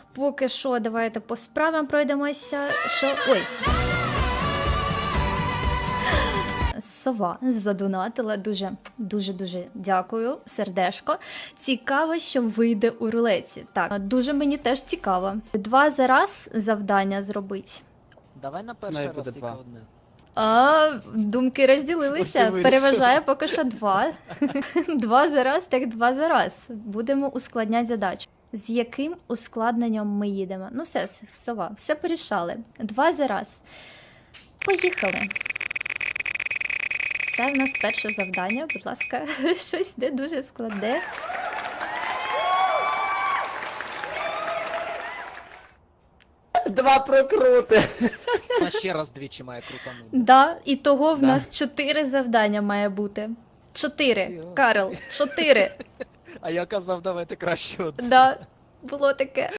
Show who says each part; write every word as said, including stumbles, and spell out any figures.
Speaker 1: Поки що, давайте по справам пройдемося. Що? Ой. Сова задонатила. Дуже, дуже, дуже дякую, сердешко. Цікаво, що вийде у рулеці. Так, дуже мені теж цікаво. Два за раз завдання зробить.
Speaker 2: Давай на перший
Speaker 3: Має
Speaker 2: раз
Speaker 3: буде
Speaker 2: тільки
Speaker 3: два.
Speaker 2: одне.
Speaker 1: А, думки розділилися.
Speaker 3: Оце
Speaker 1: Переважає поки що два. Два за раз, так два за раз. Будемо ускладняти задачу. З яким ускладненням ми їдемо? Ну все, сова, все порішали. Два за раз. Поїхали. Це в нас перше завдання, будь ласка, щось не дуже складне.
Speaker 3: Два прокрути.
Speaker 2: Вона ще раз двічі має крутанути.
Speaker 1: Да, і того в
Speaker 3: Да.
Speaker 1: нас чотири завдання має бути. Чотири,
Speaker 2: Йо.
Speaker 1: Карл, чотири.
Speaker 2: А я казав, давайте краще одне.
Speaker 1: Да, було таке.